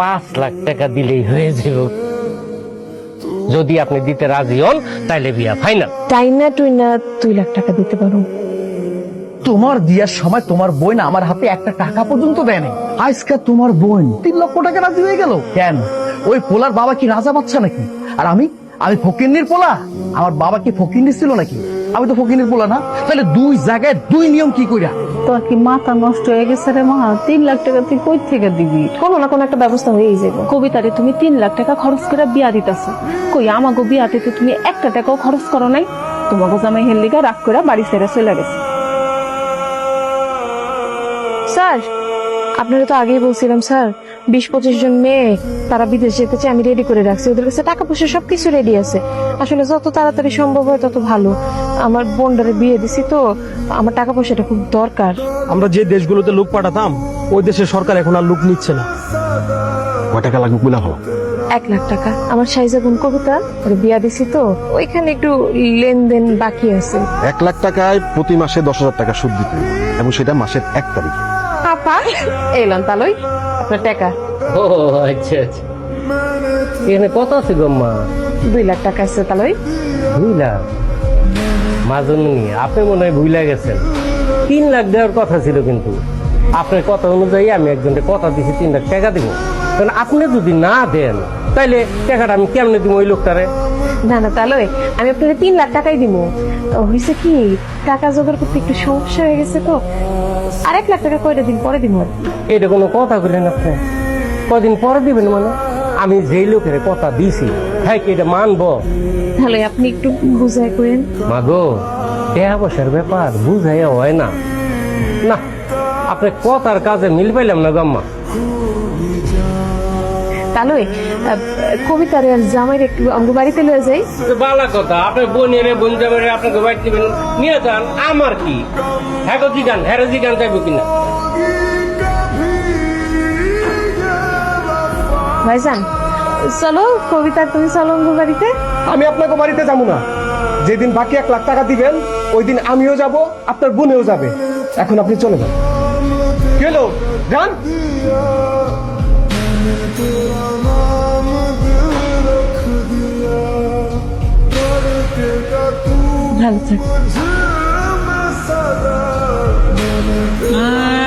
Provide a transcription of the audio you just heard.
5 লাখ টাকা দিলেই হয়ে যাবে। যদি আপনি দিতে রাজি হন তাইলে বিয়া ফাইনাল। টাইনা টুইনা 2 লাখ টাকা দিতে পারো। তোমার বিয়ার সময় তোমার বোন আমার হাতে একটা টাকা পর্যন্ত দেয় নাই। আজকে তোমার বোন 3 লক্ষ টাকা রাজি হয়ে গেল কেন? ওই পোলার বাবা কি রাজা বাচ্চা নাকি? আর আমি ফকিন্নির পোলা? আমার বাবা কি ফকিন্নি ছিল নাকি? আমি তো ফকিন্নির পোলা না। তাহলে 2 জায়গায় 2 নিয়ম কি কইরা? তোর কি মাথা নষ্ট হয়ে গেছে রে মা? 3 লাখ টাকা তুই কই থেকে দিবি? কোনো না কোনো একটা ব্যবস্থা হয়েই যাবে। কবিতারে তুমি 3 লাখ টাকা খরচ করে বিয়া দিতেছো, কই আমাগো বিয়াতে তো তুমি একটা টাকাও খরচ করো নাই। তোমাকে জামাই হেললিগা রাগ করে বাড়ি ছেড়ে চলে গেছে। স্যার, আপনারা তো আগেই বলছিলাম স্যার, 20-25 জন মেয়ে তারা বিদেশ যেতে চায়, আমি রেডি করে রাখছি। ওদের কাছে টাকা পয়সা সবকিছু রেডি আছে। আসলে যত তাড়াতাড়ি সম্ভব হয় তত ভালো। আমার বোনটারে বিয়ে দিছি তো, আমার টাকা পয়সাটা খুব দরকার। আমরা যে দেশগুলোতে লোক পাঠাতাম ওই দেশের সরকার এখন আর লোক নিচ্ছে না। কয় টাকা লাগবে বলে হলো? 1 লাখ টাকা। আমার সাইজা বোন কবিতা, ওরে বিয়া দিছি তো, ওইখানে একটু লেনদেন বাকি আছে। 1 লাখ টাকায় প্রতি মাসে 10,000 টাকা সুদ দিতে হবে, এবং সেটা মাসের 1 তারিখে। আপা এলাম তালই আপনার টাকা। ও আচ্ছা আচ্ছা, এখানে কত আছে গম্মা? 2 লাখ টাকা আছে তালই। 2 লাখ? মাজনী আপনি মনে হয় ভুলে গেছেন। 3 লাখ দেওয়ার কথা ছিল, কিন্তু আপনার কথা অনুযায়ী আমি একজনকে কথা দিছি 3 লাখ টাকা দিব। কারণ আপনি যদি না দেন তাইলে টাকাটা আমি কেমনে দিব ওই লোকটারে? না না তালই, আমি আপনাকে 3 লাখ টাকাই দিব। হয়েছে কি, টাকা জোগাড় করতে একটু সমস্যা হয়ে গেছে তো, আর 1 লাখ টাকা কয়টা দিন পরে দিব। এটা কোনো কথা বললেন আপনি? কদিন পরে দিবেন মানে? আমি যেই লোকের কথা দিছি হ্যাঁ কি এটা মানবো? তাহলে আপনি একটু বুঝাই করেন। মাগো, টাকা পয়সার ব্যাপার বুঝাইয়া হয় না। না, আপনি কথার কাজে মিল পাইলাম না গম্মা। তালই কবিতারে আর জামাইর একটু আমাকে বাড়িতে লয়ে যাই। বালা কথা, আপনার বোনের বোন যাবে আপনাকে বাইট দিবেন, নিয়ে যান, আমার কি? হ্যাঁ জিগান, হ্যাঁ জিগান যাইব কিনা? ভাইজান চলো, কবিতা তুমি চলো আমাকে বাড়িতে। আমি আপনাকে বাড়িতে যাবো না। যেদিন বাকি 1 লাখ টাকা দিবেন ওই দিন আমিও যাব, আপনার বোনেও যাবে। এখন আপনি চলে যান। কি হলো যান। ভালো থাক।